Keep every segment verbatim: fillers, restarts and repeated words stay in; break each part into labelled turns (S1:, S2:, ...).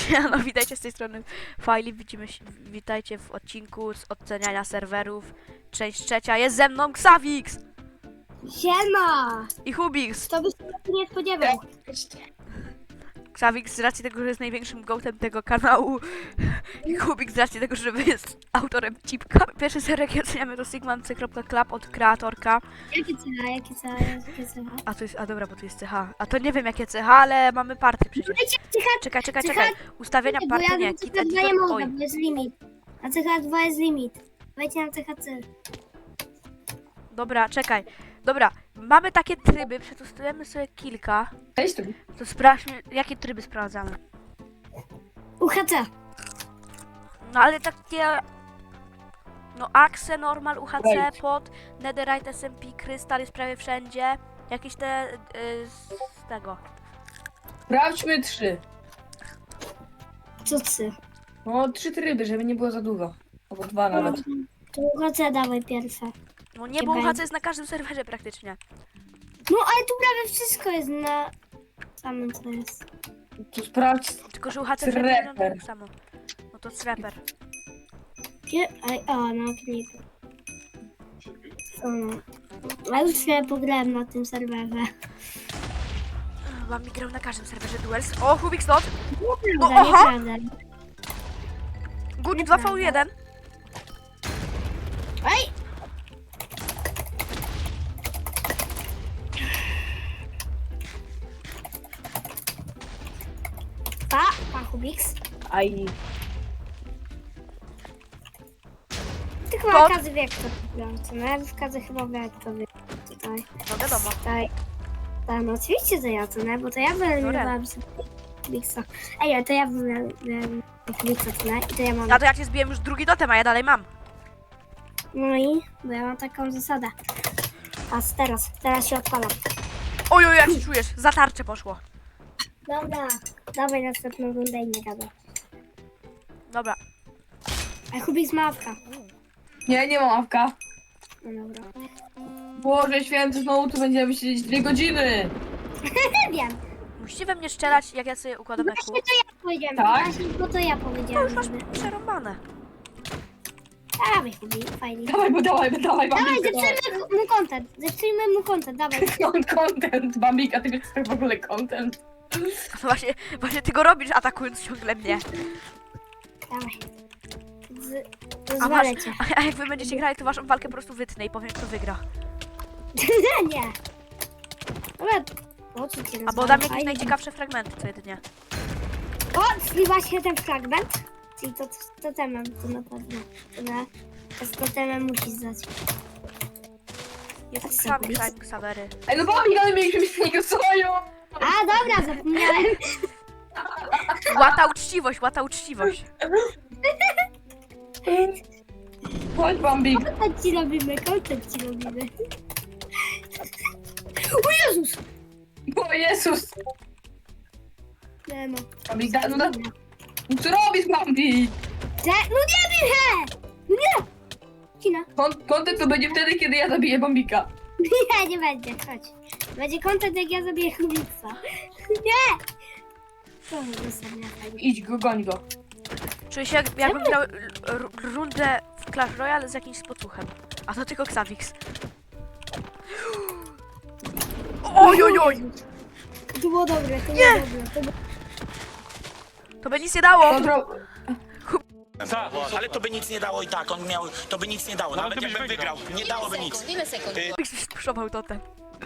S1: Siemano, witajcie z tej strony Fajli, widzimy się, witajcie w odcinku z oceniania serwerów. Część trzecia, jest ze mną Xavix
S2: Siema!
S1: i Hubix.
S2: To byś się nie spodziewał.
S1: Xavix z racji tego, że jest największym gołtem tego kanału i Hubix z racji tego, że jest autorem cipka. Pierwszy serwer jaki oceniamy to sigmancy.club od kreatorka.
S2: Jakie cecha, jakie cecha, jakie cecha?
S1: A to jest, a dobra, bo to jest C H. A to nie wiem jakie C H, ale mamy party przecież.
S2: Cecha,
S1: Czekaj, czekaj,
S2: cecha-
S1: czekaj. Ustawienia
S2: bo
S1: party
S2: ja
S1: nie,
S2: na
S1: kit
S2: cecha dwa nie
S1: editor,
S2: mogę,
S1: oj.
S2: bo jest limit. Na cecha dwa jest limit. Wejdźcie na cecha C.
S1: Dobra, czekaj. Dobra, mamy takie tryby, przetestujemy sobie kilka.
S3: Cześć tu.
S1: To sprawdźmy, jakie tryby sprawdzamy.
S2: U H C.
S1: No ale takie... No Axe, Normal, U H C,
S3: Wejdź.
S1: Pod, Netherite, S M P, Krystal jest prawie wszędzie. Jakieś te... y, z tego.
S3: Sprawdźmy trzy.
S2: Co C?
S3: No, trzy tryby, żeby nie było za dużo. Albo dwa nawet.
S2: To U H C dawaj pierwsze.
S1: No nie, bo U H C jest na każdym serwerze praktycznie.
S2: No ale tu prawie wszystko jest na samym co jest.
S3: Tu sprawdź.
S1: Tylko, że U H C
S3: Trapper.
S1: wszędzie wygląda tak samo. No to Trapper.
S2: Gdzie? Aj, o, na okniku. O, no. A już się pograłem na tym serwerze.
S1: Mam mi grał na każdym serwerze Duels. O, Hubix Not!
S2: Nieprawda,
S1: No, aha!
S2: nieprawda.
S1: Good dwa V jeden.
S2: Ej! Pa, pa Hubix.
S3: Aj.
S2: Ty chyba
S1: Pod?
S2: każdy wie kto to wygrał, co nie? W każdy chyba wie kto wygrał tutaj.
S1: No wiadomo.
S2: Tutaj. Tak, no oczywiście, że ja co nie? Bo to ja wyeliminowałam sobie Hubixa. Ej, ale to ja wyeliminowałam Hubixa, co nie? I to ja mam.
S1: A to ja cię zbiłem już drugi totem, a ja dalej mam.
S2: No i, bo ja mam taką zasadę. A teraz, teraz się odpalam.
S1: Oj, oj, jak się czujesz? Za tarczę poszło.
S2: Dobra, dawaj następną rundę i nie gadaj.
S1: Dobra.
S2: A Hubix ma awka.
S3: Nie, nie mam awka.
S2: No dobra.
S3: Boże święty, znowu tu będziemy siedzieć dwie godziny.
S2: Nie wiem.
S1: Musicie we mnie strzelać, jak ja sobie układam eku.
S2: Właśnie to ja powiedziałem.
S3: Tak?
S2: Właśnie, bo to ja
S1: To
S2: powiedziałem.
S1: już masz
S2: żeby-
S1: przerąbane.
S2: Dawaj Hubix, fajnie.
S3: Dawaj, bo dawaj, bo dawaj,
S2: Dawaj,
S3: Bambika.
S2: zepsujmy mu content. Zepsujmy mu content, dawaj.
S3: Dawaj. Content, Bambika, ty wiesz co to w ogóle content.
S1: No właśnie, właśnie ty go robisz, atakując ciągle mnie.
S2: Dawaj. Z...
S1: A, masz,
S2: Rozwalę cię.
S1: a jak wy będziecie grali, to waszą walkę po prostu wytnę i powiem, kto wygra.
S2: Nie. Dobra, po co cię
S1: Albo
S2: rozwalę?
S1: dam jakieś
S2: Fajnie.
S1: najciekawsze fragmenty co jedynie.
S2: O, zliwa się ten fragment. Czyli to z totemem, to na pewno. To, na, to z totemem musisz zdać.
S1: Jest
S2: Tak
S1: Xavi,
S2: sobie.
S1: Xavi, Xavery.
S3: Ej, no Bambik, ale mieliśmy mieć z niego soju.
S2: A, dobra, zapomniałem.
S1: Łata uczciwość, łata uczciwość.
S3: Chodź, Bambik.
S2: Content ci robimy, content ci robimy. O Jezus!
S3: O Jezus.
S2: Nie no.
S3: Bambik, da, no da. No co robisz, Bambik?
S2: Że, no nie wiem, he! No nie! Kina.
S3: Kon- Content to będzie wtedy, kiedy ja zabiję Bambika.
S2: Nie, nie będzie, chodź. Będzie content, jak ja zabiję Hubixa. Nie! To jest sobie fajnie.
S3: Idź go, goń go.
S1: Czuję się jak, jakbym grał l- r- rundę w Clash Royale z jakimś spocuchem. A to tylko Xavix. Oj, oj, oj!
S2: To było dobre, to
S1: Nie!
S2: było dobre. To było...
S1: To by nic nie dało!
S3: Kontrol.
S4: Tak, ale to by nic nie dało i tak, on miał, to by nic nie dało, nawet jakbym wygrał, nie dałoby nic.
S5: Ile sekund?
S1: Xavix spuszował totem.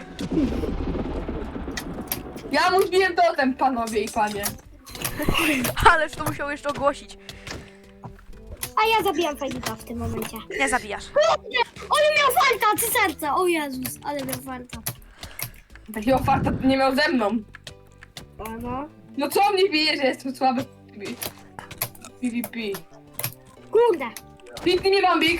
S3: Ja mu zbiłem totem, panowie i panie.
S1: Ależ to musiał jeszcze ogłosić.
S2: A ja zabijam Fajnika w tym momencie.
S1: Nie zabijasz.
S2: Ale miał farta, ty serce! O Jezus, ale miał farta.
S3: Takiego farta nie miał ze mną.
S2: O no.
S3: No co mnie bije, że jestem słaby w PvP?
S2: Kurde.
S3: Piękny nie Bambik.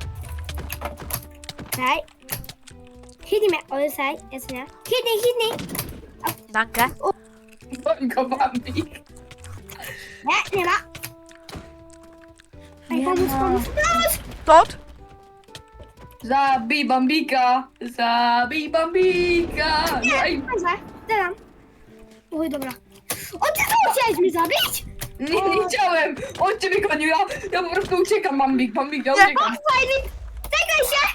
S2: Daj. Hitnij mnie, o jest hej, jest nie. Hitnij, hitnij.
S1: Dankę.
S3: Goń go Bambik.
S2: Nie, nie ma. Ej,
S3: Nie
S2: pomóż,
S3: ma.
S2: pomóż, pomóż.
S1: Tot?
S3: Zabij Bambika. Zabij Bambika. No i
S2: Dobrze, dam. Oj, dobra. O, ty znowu chciałeś mnie zabić?
S3: Nie, nie chciałem! On cię wygonił, ja, ja po prostu uciekam, Bambik, Bambik, ja
S2: Nie,
S3: uciekam.
S2: fajnie! Czekaj się!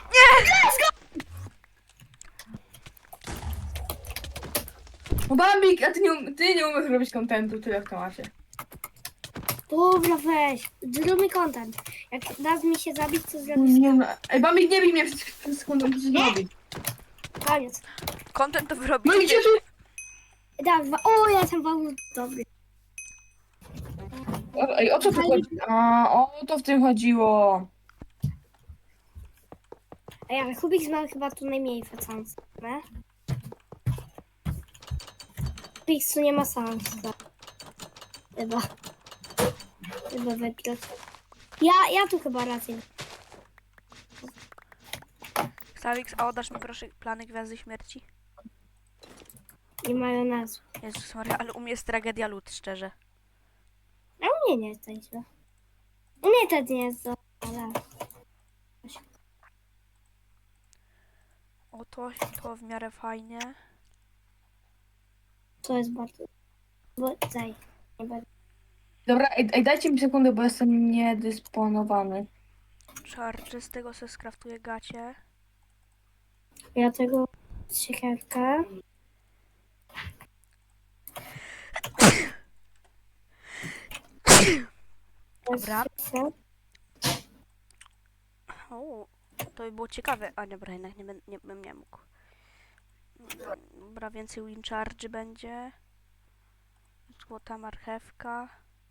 S3: No Bambik, a ty nie, um- ty nie umiesz robić kontentu, tyle w temacie.
S2: Dobra, weź. Zróbmy content. Jak dasz mi się zabić, to zrobisz
S3: Nie, no. Ej, Bambik, nie bij mnie przez, przez sekundę, muszę
S2: Nie.
S3: zrobić.
S2: koniec.
S1: Content to
S3: No
S1: wyrobicie.
S3: i gdzie tu?
S2: Da, dwa. O, ja jestem bardzo dobry.
S3: O, ej, o co tu chodzi? A, o to w tym chodziło.
S2: Ej, ale Kubik ma chyba tu najmniej facans, nie? Kubik tu nie ma szans. Chyba. Chyba wygrać. Ja, ja tu chyba rację.
S1: Ksawix, a oddasz mi proszę plany Gwiazdy Śmierci?
S2: Nie mają nazw.
S1: Jezus Maria, ale u mnie jest tragedia lud, szczerze.
S2: A u mnie nie jest tak źle. U mnie też nie jest to, ale...
S1: O to, to w miarę fajnie.
S2: To jest bardzo... Bo daj. Nie będę.
S3: Dobra, ej, ej, dajcie mi sekundę, bo jestem niedysponowany.
S1: Charge, z tego se skraftuję gacie.
S2: Ja tego... Siekierkę.
S1: Dobra. O, to by było ciekawe. A dobra, jednak nie, bym- nie bym nie mógł. Dobra, więcej win charge będzie. Złota marchewka.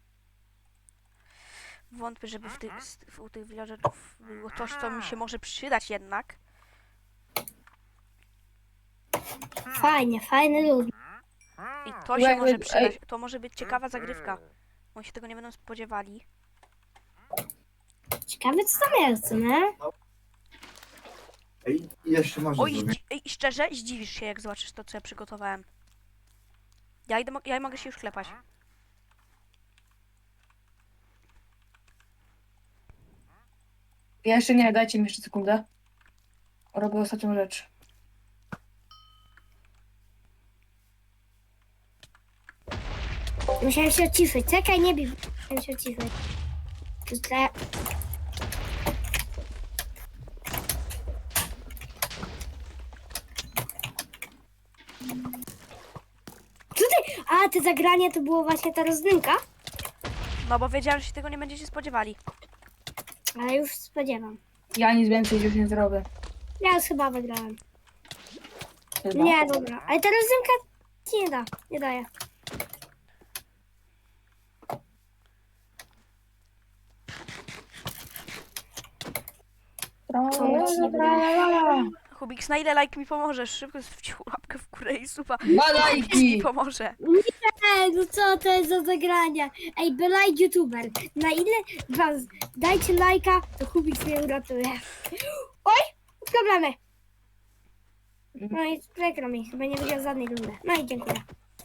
S1: Wątpię, żeby w tych, w, u tych villagerów było coś, co mi się może przydać jednak.
S2: Fajnie, fajny lud.
S1: I to się
S3: Ej,
S1: może
S3: ej,
S1: przydać. To może być ciekawa zagrywka. Oni się tego nie będą spodziewali.
S2: Ciekawe co tam jest, nie?
S5: Ej, jeszcze można
S1: Oj,
S5: zrobić.
S1: zdzi- ej, szczerze, zdziwisz się, jak zobaczysz to, co ja przygotowałem. Ja, idę, mo- ja mogę się już klepać.
S3: Ja jeszcze nie, dajcie mi jeszcze sekundę. Robię ostatnią rzecz.
S2: Musiałem się odciszyć. Czekaj, nie bij. Musiałem się odciszyć. Źle. Co ty? A, te zagranie to było właśnie ta rozdymka?
S1: No bo wiedziałem, że się tego nie będziecie spodziewali.
S2: Ale już spodziewam.
S3: Ja nic więcej już nie zrobię.
S2: Ja już chyba wygrałem.
S3: Chyba.
S2: Nie, dobra. Ale ta rozdymka ci nie da. Nie daje.
S3: Tra-
S2: Co mu ci nie
S3: tra- la- la.
S1: Hubiks, na ile like mi pomożesz? Szybko zwrócił łapkę w górę i suba.
S3: Dwa
S1: Hubiks mi
S3: lajki!
S1: pomoże.
S2: Ej, no co to jest za zagrania? Ej, by like youtuber. Na ile was dajcie lajka, to Kubik mnie uratuje. Oj, problemy. No i przykro mi, chyba nie wygrał żadnej rundy. No i dziękuję.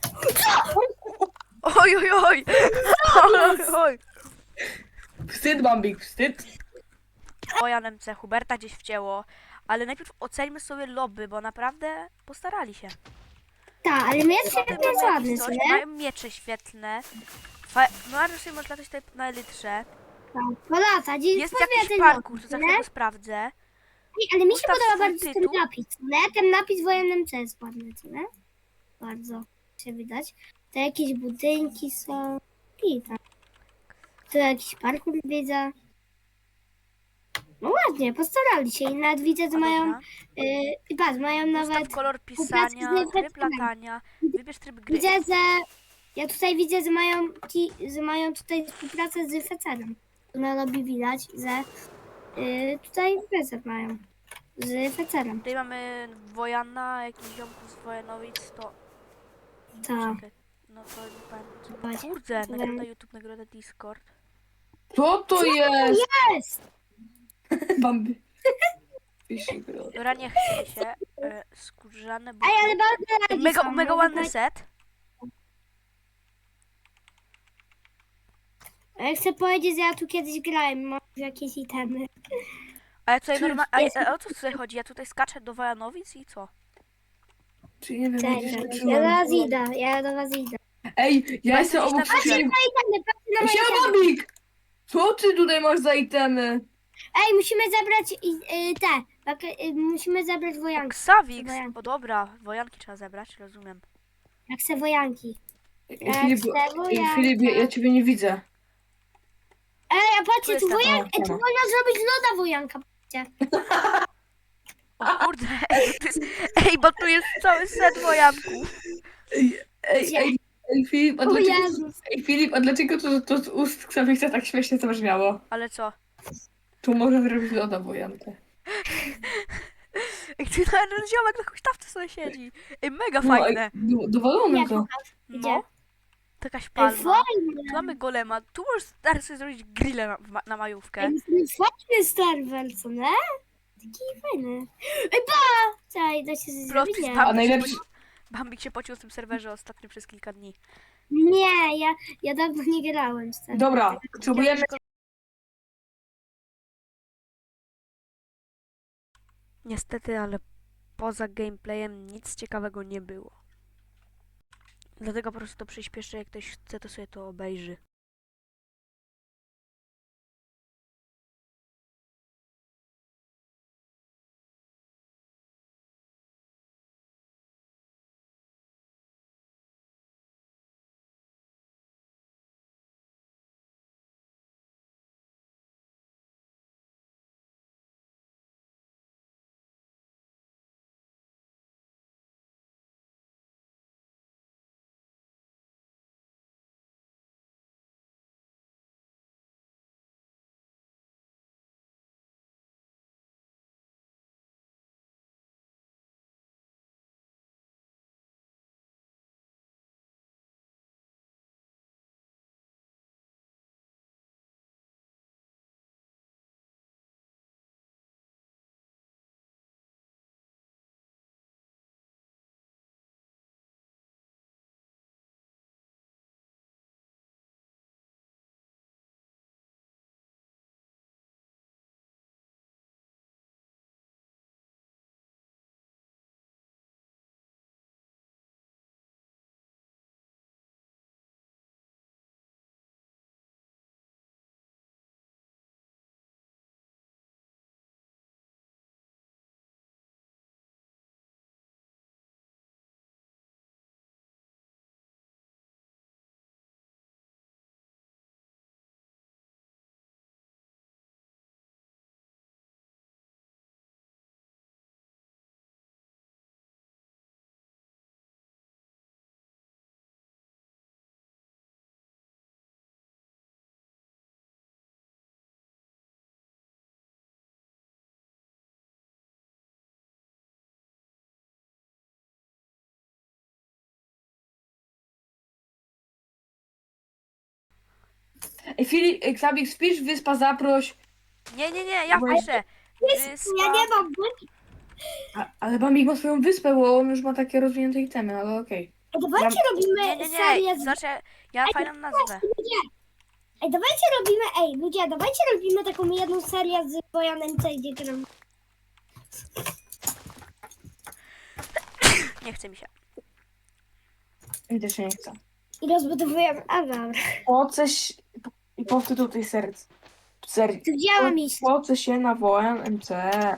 S1: Oj, oj, oj! Oj, oj.
S3: Wstyd, Bambik, wstyd.
S1: Ojan M C Huberta gdzieś wcięło. Ale najpierw oceńmy sobie lobby, bo naprawdę postarali się.
S2: Tak, ale miecz świetnie jest ładny, co
S1: Coś,
S2: nie?
S1: mają miecze świetne. Fa- Mariusz sobie może latać tutaj na elytrze.
S2: Tak, po lata, dziś
S1: Jest
S2: pozwie
S1: jakiś
S2: ten
S1: parkour, to
S2: napis,
S1: za
S2: nie?
S1: chwilę go sprawdzę.
S2: Ej, ale mi się
S1: Ustaw
S2: podoba
S1: swój
S2: bardzo ten
S1: tytuł.
S2: napis, nie? Ten napis w wojennym C jest ładny, co nie? Bardzo się widać. To jakieś budynki są. I tam. Tu jakiś parkour widzę. No ładnie, postarali się i nawet widzę, że
S1: A
S2: mają,
S1: dobra.
S2: yy, patrz, mają nawet,
S1: Ustaw kolor
S2: współpracy z
S1: pisania, tryb
S2: Netflixem.
S1: latania, wybierz tryb gry.
S2: widzę, że, ja tutaj widzę, że mają, ci, że mają tutaj współpracę z Fecerem. Tu na lobby widać, że yy, tutaj Fecer mają, z Fecerem.
S1: Tutaj mamy Wojana, jakiś ziomków z Wojanowic, to...
S2: Tak.
S1: Czekaj, no to nie pamiętam.
S2: Właśnie.
S1: Kurde, nagroda YouTube, nagroda Discord.
S3: Co to jest?
S2: Jest!
S3: Bambi. Fishy girl.
S1: Dobra, nie chce się. E, skórzane buty.
S2: Ej, ale bardzo radzi
S1: Mega,
S2: są,
S1: mega
S2: no,
S1: ładny
S2: tak.
S1: set.
S2: A ja chcę powiedzieć, że ja tu kiedyś grałem, mam jakieś itemy.
S1: A ja tutaj normalnie... A,
S2: Jest.
S1: a o co tutaj chodzi? Ja tutaj skaczę do Wojanowic i co?
S3: Czy nie wiem,
S2: Cześć,
S3: gdzie się
S2: ja do
S3: zatrzymałem.
S2: was idę, ja do was idę.
S3: Ej, ja
S1: Bo
S3: jestem
S1: jesteś
S3: obok
S1: na górze.
S3: wszystkich.
S2: Itemy, patrzcie na moje
S3: Siema,
S2: itemy.
S3: Bambik! Co ty tutaj masz za itemy?
S2: Ej, musimy zabrać i, y, te. bak- y, musimy zabrać wojanki.
S1: Ksawix!
S2: Wojanki.
S1: O dobra, wojanki trzeba zebrać, rozumiem.
S2: Jak se wojanki.
S3: Ej, Filip,
S2: chcę
S3: ej,
S2: wojanka.
S3: Filip, ja, ja ciebie nie widzę.
S2: Ej, a
S1: Tu
S2: patrzcie, tu
S1: jestem.
S2: wojanka. Ej, tu
S3: O,
S2: można zrobić loda wojanka. Patrzcie.
S1: O kurde, ej, bo tu jest, ej, bo tu jest cały set wojanków.
S3: Ej, ej,
S2: Gdzie?
S3: ej, ej, Filip, a
S2: O
S3: dlaczego,
S2: Jezus.
S3: ej, Filip, a dlaczego to, to z ust Ksawixa tak śmiesznie zabrzmiało?
S1: Ale co?
S3: Tu może zrobić loda wojankę.
S1: Ej, ty ten ziomek na huśtawce sobie siedzi. Ej, mega
S3: No, ej,
S1: fajne.
S3: do- dowalone
S2: Nie,
S3: to.
S2: Gdzie?
S1: No, jakaś
S2: Ej,
S1: palma.
S2: fajne.
S1: Tu mamy golema, tu możesz stary sobie zrobić grilla na, w ma- na majówkę.
S2: Ej, fajny serwer, co nie? Taki fajny. Ej, pa! Czekaj, da się coś zrobić?
S1: Plot
S2: Nie.
S1: twist,
S3: A najlepszy...
S1: Bambik się pocił w tym serwerze ostatnio przez kilka dni.
S2: Nie, ja, ja dawno nie grałem z tym.
S3: Dobra, potrzebujemy...
S1: Niestety, ale poza gameplayem nic ciekawego nie było. Dlatego po prostu to przyspieszę, jak ktoś chce, to sobie to obejrzy.
S3: Ej, Filip, ej, Ksawix, wpisz wyspa, zaproś.
S1: Nie, nie, nie, ja
S3: Bo-
S1: piszę.
S2: Ja nie mam błędu.
S3: A, ale Bambik ma swoją wyspę, bo on już ma takie rozwinięte itemy, ale okej.
S2: Ej, dawajcie
S1: Nie,
S2: robimy
S1: nie,
S2: serię
S1: nie,
S2: z...
S1: znaczy, ja mam fajną nazwę.
S2: Ej, dawajcie robimy... Ej, ludzie, dawajcie robimy taką jedną serię z Wojanem C, gdzie gram.
S1: Nie chce mi się.
S3: Mi też się nie chce.
S2: I rozbudowujemy... A, dobra.
S3: Po coś... I powtór tej serc. Serii.
S2: Tu gdzie mam iść?
S3: Po co się nawołam M C?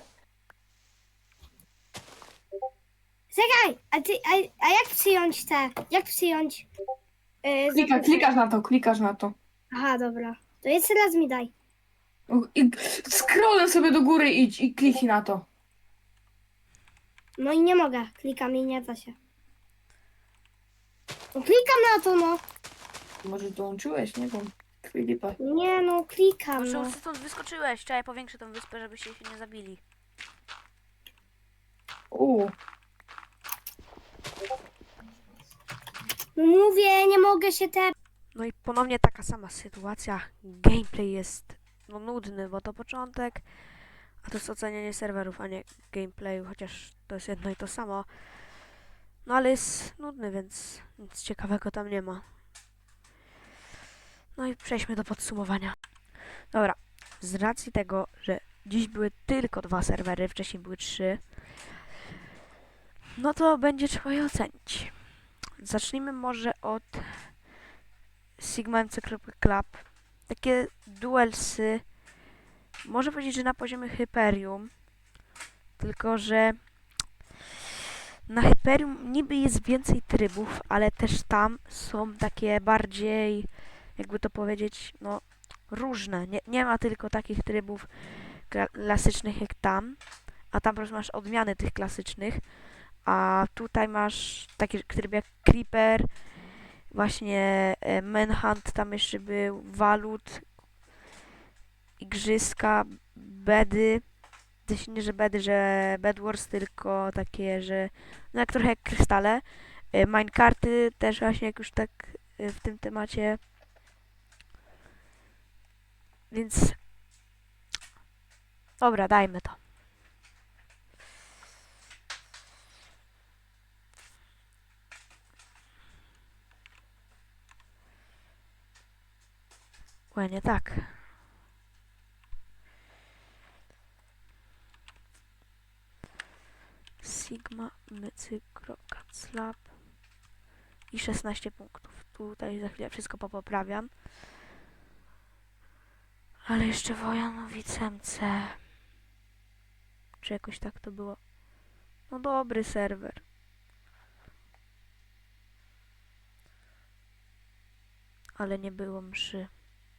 S2: Czekaj, a ty... A, a jak przyjąć te... Jak przyjąć... Yy,
S3: Klika,
S2: zaproszenie?
S3: klikasz na to, klikasz na to.
S2: Aha, dobra. To jeszcze raz mi daj.
S3: I scrollem sobie do góry idź i kliknij na to.
S2: No i nie mogę. Klikam i nie da się. No klikam na to, no.
S3: Może dołączyłeś, nie wiem. Filipa.
S2: Nie, no klikam,
S1: Może
S2: no.
S1: ty stąd wyskoczyłeś, trzeba powiększę tą wyspę, żebyście się nie zabili.
S3: Uuu.
S2: No mówię, nie mogę się te...
S1: No i ponownie taka sama sytuacja. Gameplay jest no, nudny, bo to początek, a to jest ocenianie serwerów, a nie gameplayu, chociaż to jest jedno i to samo. No ale jest nudny, więc nic ciekawego tam nie ma. No i przejdźmy do podsumowania. Dobra, z racji tego, że dziś były tylko dwa serwery, wcześniej były trzy, no to będzie trzeba je ocenić. Zacznijmy może od Sigma M C Club. Takie duelsy. Można powiedzieć, że na poziomie Hyperium. Tylko, że na Hyperium niby jest więcej trybów, ale też tam są takie bardziej, jakby to powiedzieć, no różne. Nie, nie ma tylko takich trybów klasycznych jak tam, a tam po prostu masz odmiany tych klasycznych, a tutaj masz taki tryb jak Creeper, właśnie e, Manhunt tam jeszcze był, Walut, Igrzyska, Bedy, też nie, że Bedy, że Bed Wars, tylko takie, że no jak trochę jak krystale. E, Minecarty też właśnie jak już tak e, w tym temacie. Więc dobra, dajmy to. Łe, nie tak. Sigma, mycykro, Slab i szesnaście punktów. Tutaj za chwilę wszystko popoprawiam. Ale jeszcze Wojanowic M C. Czy jakoś tak to było? No dobry serwer. Ale nie było mszy.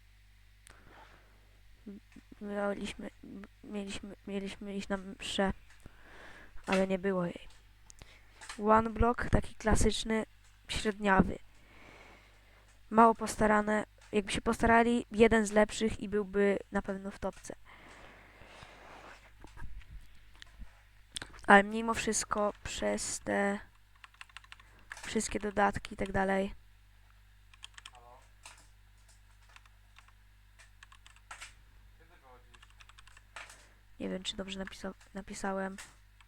S1: Mieliśmy, mieliśmy, mieliśmy iść na mszę, ale nie było jej. One block, taki klasyczny, średniawy. Mało postarane. Jakby się postarali, jeden z lepszych i byłby na pewno w topce. Ale mimo wszystko przez te wszystkie dodatki i tak dalej. Nie wiem, czy dobrze napisa napisałem.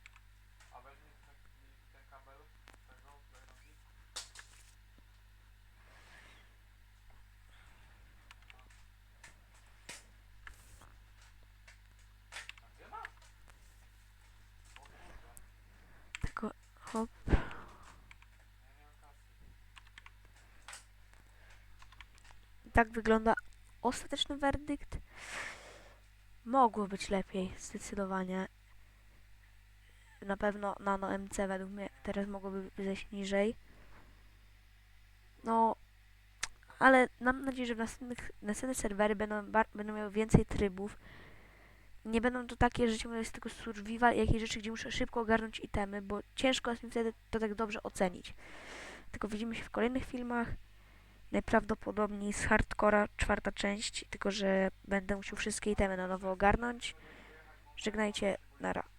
S1: Tylko hop. Tak wygląda ostateczny werdykt. Mogło być lepiej, zdecydowanie. Na pewno Nano M C według mnie teraz mogłoby zejść niżej. No, ale mam nadzieję, że w następnych, następne serwery będą, będą miały więcej trybów. Nie będą to takie, że ciągle jest tylko survival i jakieś rzeczy, gdzie muszę szybko ogarnąć itemy, bo ciężko jest mi wtedy to tak dobrze ocenić. Tylko widzimy się w kolejnych filmach. Najprawdopodobniej z Hardcora czwarta część, tylko że będę musiał wszystkie itemy na nowo ogarnąć. Żegnajcie, nara.